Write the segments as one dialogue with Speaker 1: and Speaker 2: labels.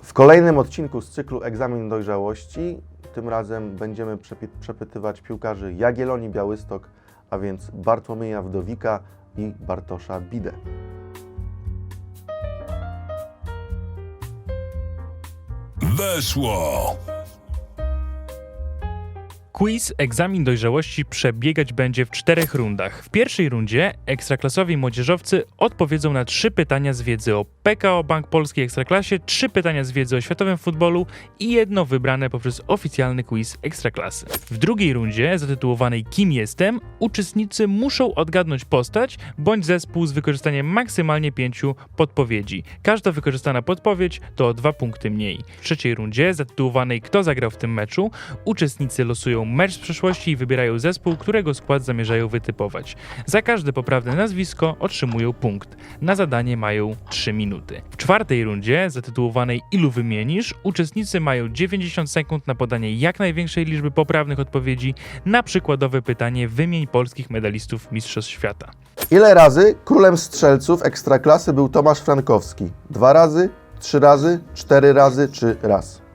Speaker 1: W kolejnym odcinku z cyklu Egzamin Dojrzałości, tym razem będziemy przepytywać piłkarzy Jagiellonii Białystok, a więc Bartłomieja Wdowika i Bartosza Bidę.
Speaker 2: Weszło!
Speaker 3: Quiz Egzamin Dojrzałości przebiegać będzie w 4 rundach. W pierwszej rundzie ekstraklasowi młodzieżowcy odpowiedzą na 3 pytania z wiedzy o PKO Bank Polski Ekstraklasie, 3 pytania z wiedzy o światowym futbolu i jedno wybrane poprzez oficjalny quiz Ekstraklasy. W drugiej rundzie, zatytułowanej Kim jestem, uczestnicy muszą odgadnąć postać bądź zespół z wykorzystaniem maksymalnie 5 podpowiedzi. Każda wykorzystana podpowiedź to o 2 punkty mniej. W trzeciej rundzie, zatytułowanej Kto zagrał w tym meczu, uczestnicy losują mecz z przeszłości i wybierają zespół, którego skład zamierzają wytypować. Za każde poprawne nazwisko otrzymują punkt. Na zadanie mają 3 minuty. W czwartej rundzie, zatytułowanej Ilu wymienisz, uczestnicy mają 90 sekund na podanie jak największej liczby poprawnych odpowiedzi na przykładowe pytanie Wymień polskich medalistów Mistrzostw Świata.
Speaker 1: Ile razy królem strzelców Ekstraklasy był Tomasz Frankowski? 2 razy, 3 razy, 4 razy czy raz?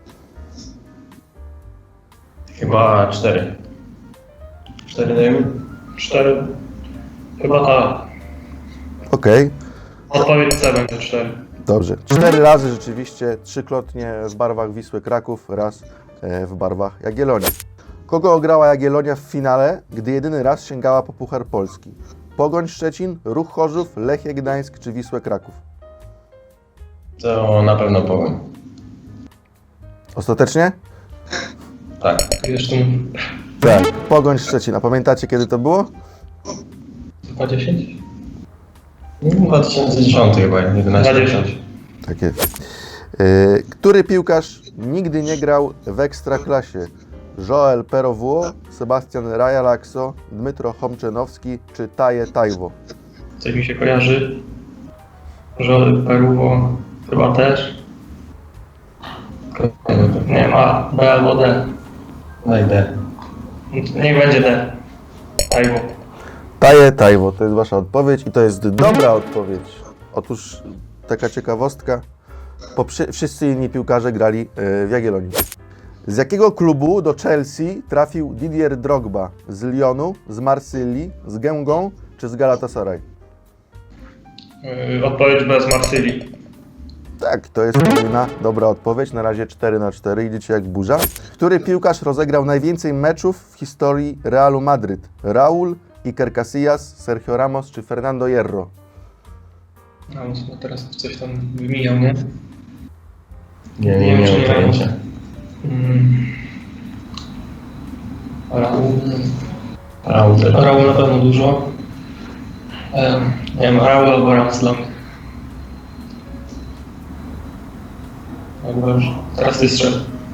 Speaker 4: Chyba 4. 4 dajemy?
Speaker 5: 4. Chyba tak.
Speaker 1: Okej,
Speaker 5: Odpowiedź C będzie 4.
Speaker 1: dobrze. 4 razy rzeczywiście, 3-krotnie w barwach Wisły Kraków, raz w barwach Jagiellonii. Kogo ograła Jagiellonia w finale, gdy jedyny raz sięgała po Puchar Polski? Pogoń Szczecin, Ruch Chorzów, Lechia Gdańsk czy Wisłę Kraków?
Speaker 4: To na pewno Pogoń.
Speaker 1: Ostatecznie?
Speaker 4: Tak.
Speaker 5: Jeszcze
Speaker 1: Tak, Pogoń Szczecin. A pamiętacie, kiedy to było?
Speaker 5: 20?
Speaker 4: 2010 chyba, 11.
Speaker 5: 20.
Speaker 1: Tak jest. Który piłkarz nigdy nie grał w Ekstraklasie? Joel Perowło, Sebastian Rajalakso, Dmytro Chomczenowski czy Taje Tajwo?
Speaker 5: Coś mi się kojarzy. Żory, Peruwo, chyba też. Nie ma B albo D.
Speaker 4: Daj D.
Speaker 5: Niech będzie D. Tajwo.
Speaker 1: Taje Tajwo, to jest wasza odpowiedź i to jest dobra odpowiedź. Otóż taka ciekawostka, wszyscy inni piłkarze grali w Jagiellonii. Z jakiego klubu do Chelsea trafił Didier Drogba? Z Lyonu, z Marsylii, z Gęgą czy z Galatasaray?
Speaker 5: Odpowiedź B z Marsylii.
Speaker 1: Tak, to jest kolejna dobra odpowiedź. Na razie 4-4, idziecie jak burza. Który piłkarz rozegrał najwięcej meczów w historii Realu Madryt? Raúl, Iker Casillas, Sergio Ramos czy Fernando Hierro?
Speaker 5: No, teraz coś tam wymijał, nie?
Speaker 4: Nie mam pojęcia.
Speaker 5: Raul na pewno dużo. Nie wiem, Raul albo Ramos dla mnie. Dobrze. Teraz ty strzel.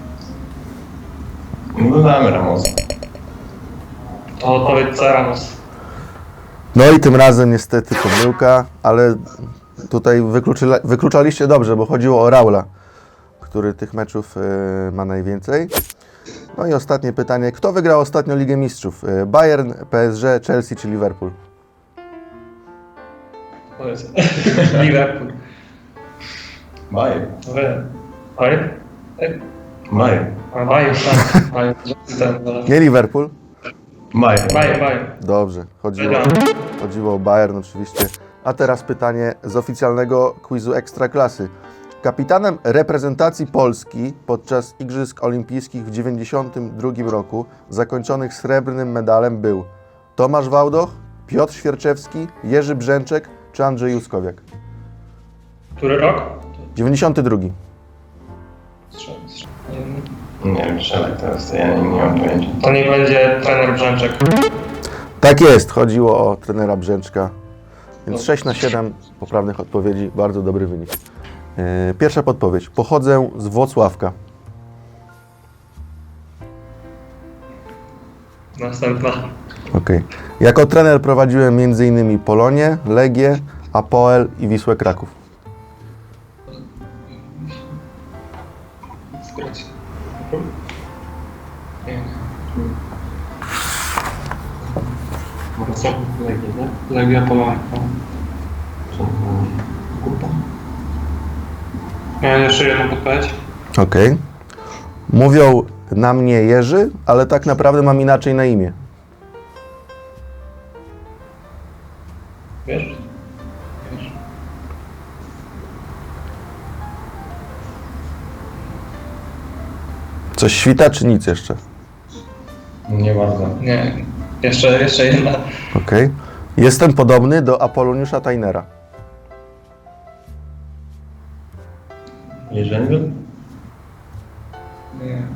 Speaker 4: No damy Ramosa.
Speaker 5: To odpowiedź C, Ramos.
Speaker 1: No i tym razem niestety pomyłka, ale tutaj wykluczaliście dobrze, bo chodziło o Raula, który tych meczów ma najwięcej. No i ostatnie pytanie. Kto wygrał ostatnio Ligę Mistrzów? Bayern, PSG, Chelsea czy Liverpool?
Speaker 5: To jest Liverpool.
Speaker 4: Bajer.
Speaker 5: Bayern?
Speaker 4: Bajer.
Speaker 5: A Bayern, tak. Bayern.
Speaker 1: Nie Liverpool?
Speaker 5: Bayern.
Speaker 1: Dobrze, chodziło o Bayern oczywiście. A teraz pytanie z oficjalnego quizu Ekstraklasy. Kapitanem reprezentacji Polski podczas Igrzysk Olimpijskich w 1992 roku, zakończonych srebrnym medalem, był Tomasz Wałdoch, Piotr Świerczewski, Jerzy Brzęczek czy Andrzej Juskowiak?
Speaker 5: Który rok?
Speaker 1: 92.
Speaker 4: Nie wiem, strzelaj teraz, to ja nie mam pojęcia.
Speaker 5: To niech będzie trener Brzęczek.
Speaker 1: Tak jest, chodziło o trenera Brzęczka. Więc 6/7 poprawnych odpowiedzi, bardzo dobry wynik. Pierwsza podpowiedź. Pochodzę z Włocławka.
Speaker 5: Następna.
Speaker 1: Okay. Jako trener prowadziłem m.in. Polonię, Legię, Apoel i Wisłę Kraków.
Speaker 5: Legia Polonia. Miałem jeszcze jedną podpowiedź.
Speaker 1: Okej. Mówią na mnie Jerzy, ale tak naprawdę mam inaczej na imię.
Speaker 5: Wiesz?
Speaker 1: Coś świta, czy nic jeszcze?
Speaker 4: Nie bardzo.
Speaker 5: Nie. Jeszcze jedna.
Speaker 1: Okej. Jestem podobny do Apoloniusza Tajnera.
Speaker 4: Jerzęgel?
Speaker 5: Nie.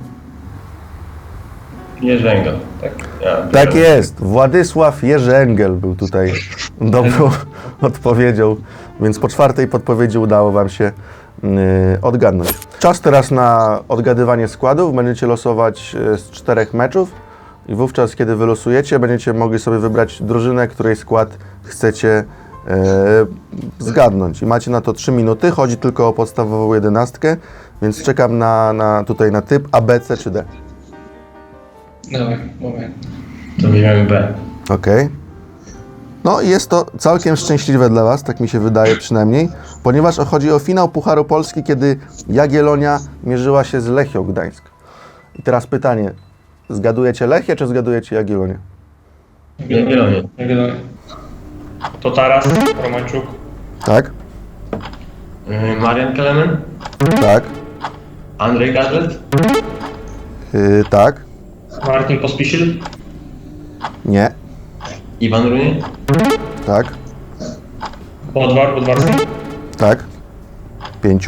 Speaker 4: Jerzęgel, tak? Ja,
Speaker 1: Tak jest. Władysław Jerzy Engel był tutaj dobrą odpowiedzią, więc po czwartej podpowiedzi udało Wam się odgadnąć. Czas teraz na odgadywanie składów. Będziecie losować z 4 meczów i wówczas, kiedy wylosujecie, będziecie mogli sobie wybrać drużynę, której skład chcecie zgadnąć. I macie na to 3 minuty. Chodzi tylko o podstawową 11, więc czekam tutaj na typ A, B, C czy D.
Speaker 5: Dawaj, moment.
Speaker 4: To bierzemy B.
Speaker 1: Okej. No i jest to całkiem szczęśliwe dla Was, tak mi się wydaje przynajmniej, ponieważ chodzi o finał Pucharu Polski, kiedy Jagiellonia mierzyła się z Lechią Gdańsk. I teraz pytanie, zgadujecie Lechię, czy zgadujecie Jagiellonię?
Speaker 4: Jagiellonie.
Speaker 5: To Taras, Romańczuk,
Speaker 1: Tak?
Speaker 4: Marian Kelemen?
Speaker 1: Tak?
Speaker 4: Andrzej Gadlet?
Speaker 1: Tak?
Speaker 5: Martin Pospisil,
Speaker 1: Nie?
Speaker 4: Iwan Runie?
Speaker 1: Tak?
Speaker 5: Bodwarski,
Speaker 1: Tak? 5?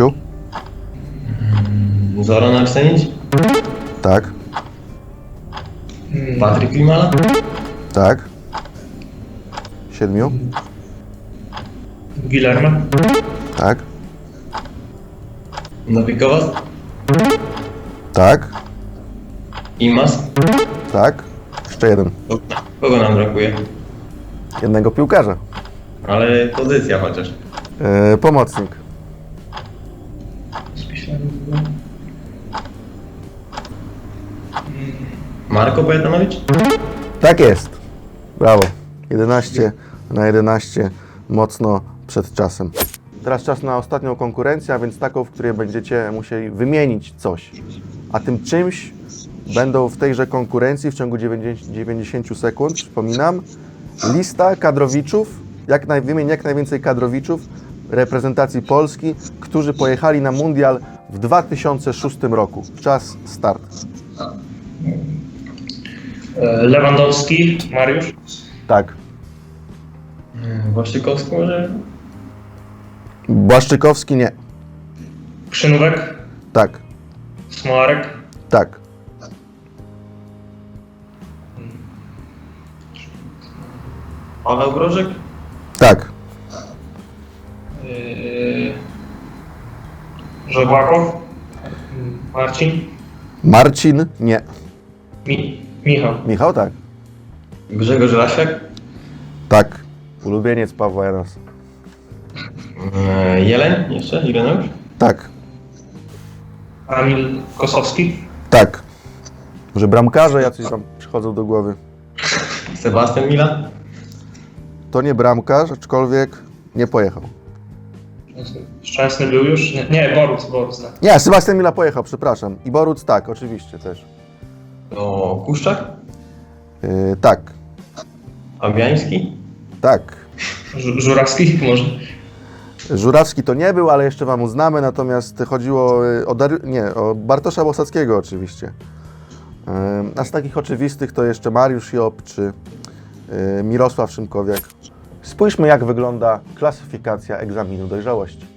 Speaker 4: Zoran Arsenic?
Speaker 1: Tak?
Speaker 4: Patryk Klimala?
Speaker 1: Tak? 7?
Speaker 5: Guillermo,
Speaker 1: Tak?
Speaker 4: Nowikowas?
Speaker 1: Tak?
Speaker 4: Imas?
Speaker 1: Tak? Jeszcze jeden.
Speaker 4: Kogo nam brakuje?
Speaker 1: Jednego piłkarza.
Speaker 4: Ale pozycja chociaż.
Speaker 1: Pomocnik.
Speaker 5: Pospisil.
Speaker 4: Marko Pojetanowicz?
Speaker 1: Tak jest. Brawo. 11 na 11. Mocno przed czasem. Teraz czas na ostatnią konkurencję, a więc taką, w której będziecie musieli wymienić coś. A tym czymś będą w tejże konkurencji w ciągu 90 sekund, przypominam, lista kadrowiczów, wymień jak najwięcej kadrowiczów reprezentacji Polski, którzy pojechali na mundial w 2006 roku. Czas start.
Speaker 5: Lewandowski, Mariusz,
Speaker 1: Tak.
Speaker 4: Waszczykowski może?
Speaker 1: Błaszczykowski nie.
Speaker 5: Krzynówek,
Speaker 1: Tak.
Speaker 5: Smolarek,
Speaker 1: Tak.
Speaker 4: Paweł Grożek?
Speaker 1: Tak.
Speaker 5: Żegłakow, Marcin,
Speaker 1: Marcin nie.
Speaker 5: Michał,
Speaker 1: Michał tak.
Speaker 4: Grzegorz Lasiak?
Speaker 1: Tak. Ulubieniec Pawła Janasa.
Speaker 4: Jeleń jeszcze? Ireneusz?
Speaker 1: Tak.
Speaker 5: Kamil Kosowski,
Speaker 1: Tak. Może bramkarze jacyś Wam przychodzą do głowy.
Speaker 4: Sebastian Milan?
Speaker 1: To nie bramkarz, aczkolwiek nie pojechał.
Speaker 5: Szczęsny był już? Nie, Boruc, nie.
Speaker 1: Nie, Sebastian Mila pojechał, przepraszam. I Boruc tak, oczywiście też.
Speaker 4: To Kuszczak?
Speaker 1: Tak.
Speaker 4: Fabiański?
Speaker 1: Tak.
Speaker 5: Żurawski może?
Speaker 1: Żurawski to nie był, ale jeszcze Wam uznamy, natomiast chodziło o Bartosza Bosackiego oczywiście. A z takich oczywistych to jeszcze Mariusz Job czy Mirosław Szymkowiak. Spójrzmy, jak wygląda klasyfikacja egzaminu dojrzałości.